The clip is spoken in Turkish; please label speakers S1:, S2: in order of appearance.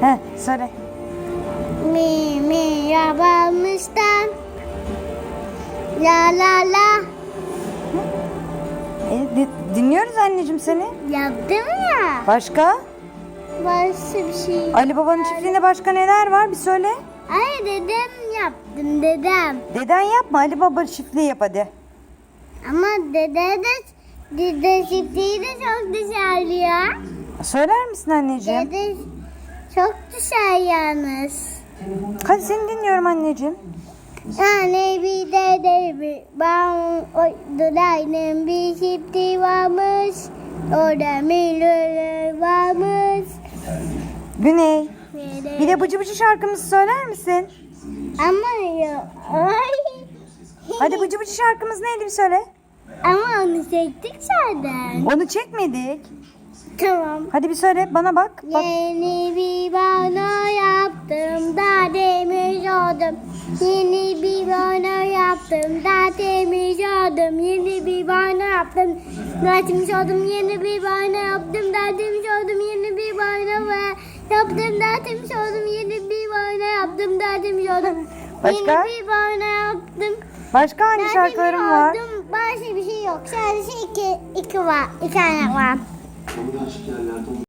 S1: Söyle.
S2: Mi yapamıştım. La la la.
S1: Dinliyoruz anneciğim seni.
S2: Yaptım ya.
S1: Başka?
S2: Başka bir şey.
S1: Ali Baba'nın çiftliğinde başka neler var? Bir söyle.
S2: Ay dedem yaptım dedem.
S1: Deden yapma. Ali Baba çiftliği yap hadi.
S2: Ama dede çiftliği de çok dışarı ya.
S1: Söyler misin anneciğim?
S2: Dede çok dışarı yalnız.
S1: Hadi seni dinliyorum anneciğim.
S2: Yani bir dede dudağının bir çiftliği varmış. Orada milyoner varmış.
S1: Güney. Bir de Bıcı Bıcı şarkımızı söyler misin?
S2: Ama yok. Ay.
S1: Hadi Bıcı Bıcı şarkımız neydi bir söyle.
S2: Ama onu çektik zaten.
S1: Onu çekmedik.
S2: Tamam.
S1: Hadi bir söyle bana bak. Bak.
S2: Yeni bir bana yaptım da temiz oldum. Yeni bir bana yaptım da temiz oldum. Yeni bir bana yaptım da temiz oldum. Yeni bir bana yaptım da temiz oldum. Yeni bir bana yaptım da temiz oldum. Yeni bir bana yaptım da temiz oldum.
S1: Başka?
S2: Yeni bir bana yaptım.
S1: Başka hangi şarkılarım var?
S2: Başka bir şey yok. Sadece iki tane var.